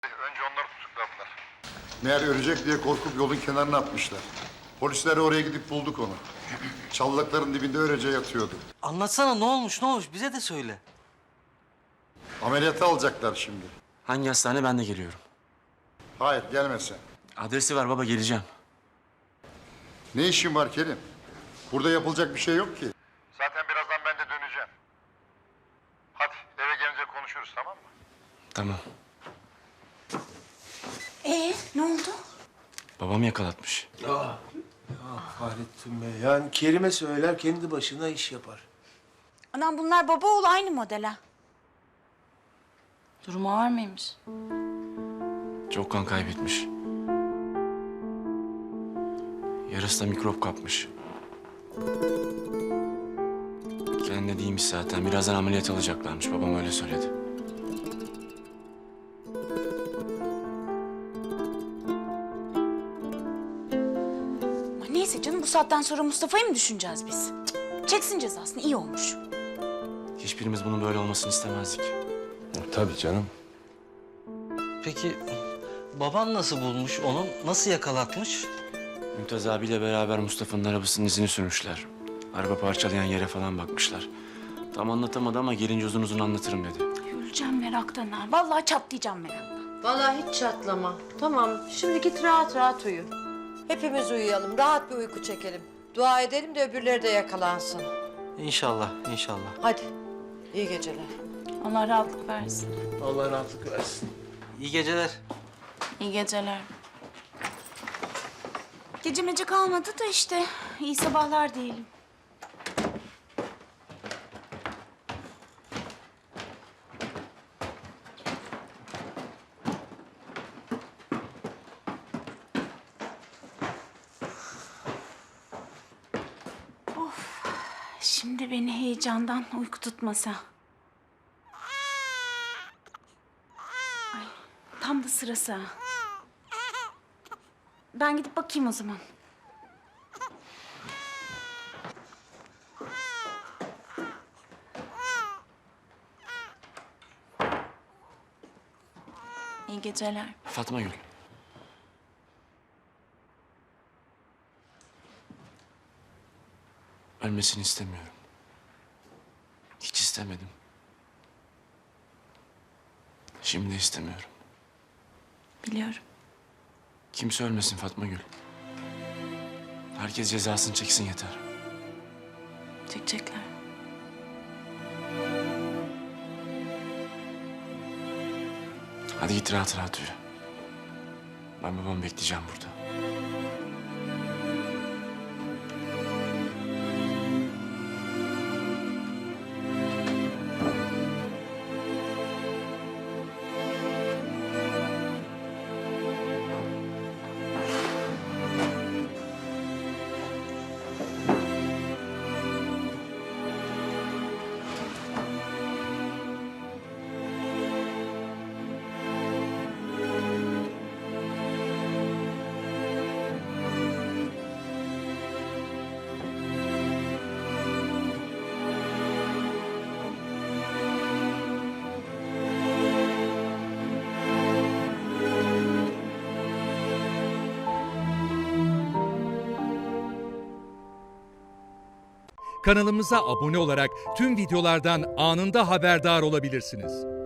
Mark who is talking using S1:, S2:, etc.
S1: Önce onları tutukladılar.
S2: Meğer ölecek diye korkup yolun kenarına atmışlar. Polisler oraya gidip bulduk onu. Çalılıkların dibinde öylece yatıyordu.
S3: Anlatsana ne olmuş bize de söyle.
S2: Ameliyata alacaklar şimdi.
S4: Hangi hastane ben de geliyorum.
S2: Hayır gelme sen.
S4: Adresi ver baba geleceğim.
S2: Ne işin var Kerim? Burada yapılacak bir şey yok ki.
S1: Zaten birazdan ben de döneceğim. Hadi eve gelince konuşuruz, tamam mı?
S4: Tamam.
S5: Ne oldu?
S4: Babam yakalatmış.
S6: Fahrettin Bey, yani Kerim'e söyler kendi başına iş yapar.
S5: Anam bunlar baba oğlu aynı model ha.
S7: Durumu var mıymış?
S4: Çok kan kaybetmiş. Yarısı da mikrop kapmış. Kendine değilmiş zaten. Birazdan ameliyat alacaklarmış. Babam öyle söyledi.
S5: Ama neyse canım bu saatten sonra Mustafa'yı mı düşüneceğiz biz? Çeksin cezasını iyi olmuş.
S4: Hiçbirimiz bunun böyle olmasını istemezdik.
S6: Tabii canım.
S3: Peki baban nasıl bulmuş onu? Nasıl yakalatmış?
S4: Mümtaz abiyle beraber Mustafa'nın arabasının izini sürmüşler. Araba parçalayan yere falan bakmışlar. Tam anlatamadı ama gelince uzun uzun anlatırım dedi.
S5: Öleceğim meraktan ha. Vallahi çatlayacağım meraktan.
S8: Vallahi hiç çatlama. Tamam, şimdi git rahat rahat uyu. Hepimiz uyuyalım, rahat bir uyku çekelim. Dua edelim de öbürleri de yakalansın.
S3: İnşallah, inşallah.
S8: Hadi, iyi geceler.
S7: Allah rahatlık versin.
S6: Allah rahatlık versin.
S3: İyi geceler.
S7: İyi geceler.
S5: Gecemece kalmadı da işte. İyi sabahlar diyelim. Şimdi beni heyecandan uyku tutmasa. Ay, tam da sırası ha. Ben gidip bakayım o zaman.
S7: İyi geceler.
S4: Fatma Gül. Ölmesini istemiyorum. Hiç istemedim. Şimdi de istemiyorum.
S7: Biliyorum.
S4: Kimse ölmesin Fatma Gül. Herkes cezasını çeksin yeter.
S7: Çekecekler.
S4: Hadi git rahat rahat uyu. Ben babamı bekleyeceğim burada.
S9: Kanalımıza abone olarak tüm videolardan anında haberdar olabilirsiniz.